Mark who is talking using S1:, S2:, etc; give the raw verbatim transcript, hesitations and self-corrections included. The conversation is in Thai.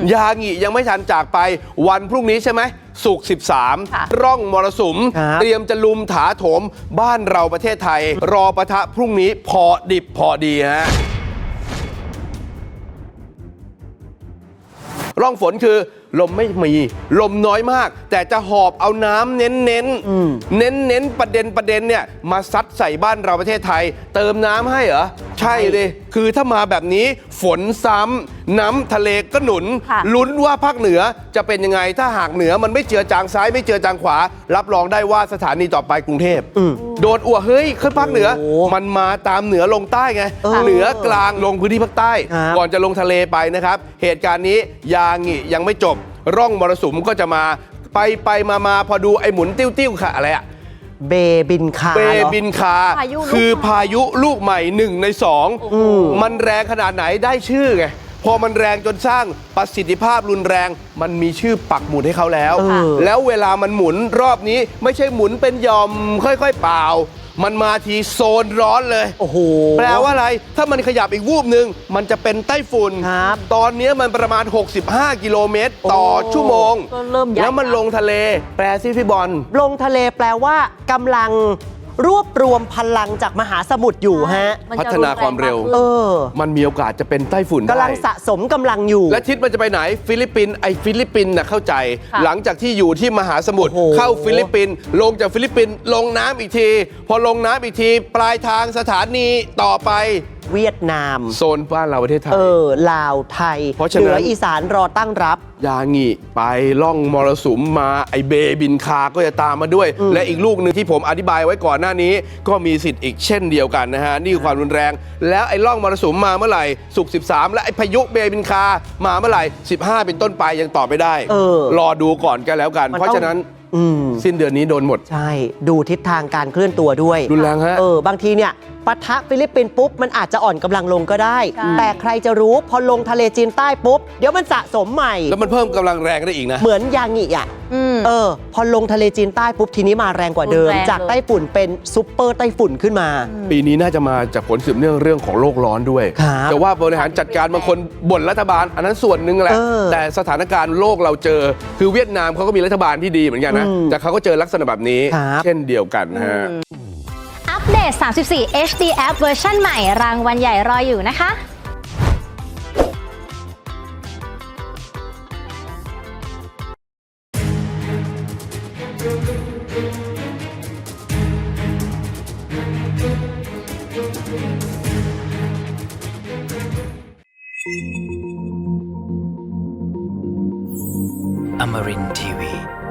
S1: ยางิยังไม่ทันจากไปวันพรุ่งนี้ใช่ไหมศุกร์สิบสามร่องมรสุมเตรียมจะลุมถาโถมบ้านเราประเทศไทยรอปะทะพรุ่งนี้พอดิบพอดีฮะร่องฝนคือลมไม่มีลมน้อยมากแต่จะหอบเอาน้ำเน้นเน้นเน้นเน้นประเด็นประเด็นเนี่ยมาซัดใส่บ้านเราประเทศไทยเติมน้ำให้เหรอใช่เลยคือถ้ามาแบบนี้ฝนซ้ำน้ำทะเลก็หนุนลุ้นว่าภาคเหนือจะเป็นยังไงถ้าหากเหนือมันไม่เจือจางซ้ายไม่เจือจางขวารับรองได้ว่าสถานีต่อไปกรุงเทพโดนอ้วเฮ้ยขึ้นภาคเหนือมันมาตามเหนือลงใต้ไงเหนือกลางลงพื้นที่ภาคใต้ก่อนจะลงทะเลไปนะครับเหตุการณ์นี้ยางิยังไม่จบร่องมรสุมก็จะมาไปไปมามาพอดูไอ้หมุนติ้วติ้วค่ะอะไรอะ
S2: เบบินคา
S1: เบบินคาคือพายุลูกใหม่หนึ่งในสองมันแรงขนาดไหนได้ชื่อไงพอมันแรงจนสร้างประสิทธิภาพรุนแรงมันมีชื่อปักหมุดให้เขาแล้วแล้วเวลามันหมุนรอบนี้ไม่ใช่หมุนเป็นยอมค่อยๆเปล่ามันมาทีโซนร้อนเลยโอ้โหแปลว่าอะไรถ้ามันขยับอีกวูบหนึ่งมันจะเป็นไต้ฝุ่นตอนนี้มันประมาณหกสิบห้ากิโลเมตรต่อชั่วโมงแล้วมันลงทะเลแปลซิพี่บอล
S2: ลงทะเลแปลว่ากำลังรวบรวมพลังจากมหาสมุทรอยู่ฮะ
S1: พัฒนาความเร็วเออมันมีโอกาสจะเป็นไต้ฝุ่นได้
S2: กำลังสะสมกำลังอยู่
S1: และทิศมันจะไปไหนฟิลิปปินส์ไอฟิลิปปินส์น่ะเข้าใจหลังจากที่อยู่ที่มหาสมุทรเข้าฟิลิปปินส์ลงจากฟิลิปปินส์ลงน้ำอีกทีพอลงน้ำอีกทีปลายทางสถานีต่อไป
S2: เวียดนาม
S1: โซนบ้านเราประเทศไทย
S2: เออลาวไทยเหนืออีสานรอตั้งรับ
S1: ยางิไปล่องมรสุมมาไอเบบินคาก็จะตามมาด้วยและอีกลูกหนึ่งที่ผมอธิบายไว้ก่อนหน้านี้ก็มีสิทธิ์อีกเช่นเดียวกันนะฮะนี่คือความรุนแรงแล้วไอ้ล่องมรสุมมาเมื่อไหร่ศุกร์สิบสามและไอ้พายุเบบินคามาเมื่อไหร่สิบห้าเป็นต้นไปยังตอบไม่ได้รอดูก่อนกันแล้วกันเพราะฉะนั้นสิ้นเดือนนี้โดนหมด
S2: ใช่ดูทิศทางการเคลื่อนตัวด้วย
S1: รุนแรงฮะ
S2: เออบางทีเนี่ยปะทะฟิลิปปินส์ปุ๊บมันอาจจะอ่อนกำลังลงก็ได้แต่ใครจะรู้พอลงทะเลจีนใต้ปุ๊บเดี๋ยวมันสะสมใหม่
S1: แล้วมันเพิ่มกำลังแรงได้อีกนะ
S2: เหมือนยางิอ่ะเออพอลงทะเลจีนใต้ปุ๊บทีนี้มาแรงกว่าเดิมจากไต้ฝุ่นเป็นซุปเปอร์ไต้ฝุ่นขึ้นมา
S1: ปีนี้น่าจะมาจากผลสืบเนื่องเรื่องของโลกร้อนด้วยแต่ว่าบริหารจัดการบางคนบ่นรัฐบาลอันนั้นส่วนหนึ่งแหละแต่สถานการณ์โลกเราเจอคือเวียดนามเขาก็มีรัฐบาลที่ดีเหมือนกันนะแต่เขาก็เจอลักษณะแบบนี้เช่นเดียวกันฮะ
S3: อัปเดต สามสิบสี่ เอช ดี App เวอร์ชันใหม่รางวัลใหญ่รออยู่นะคะ
S4: Amarin ที วี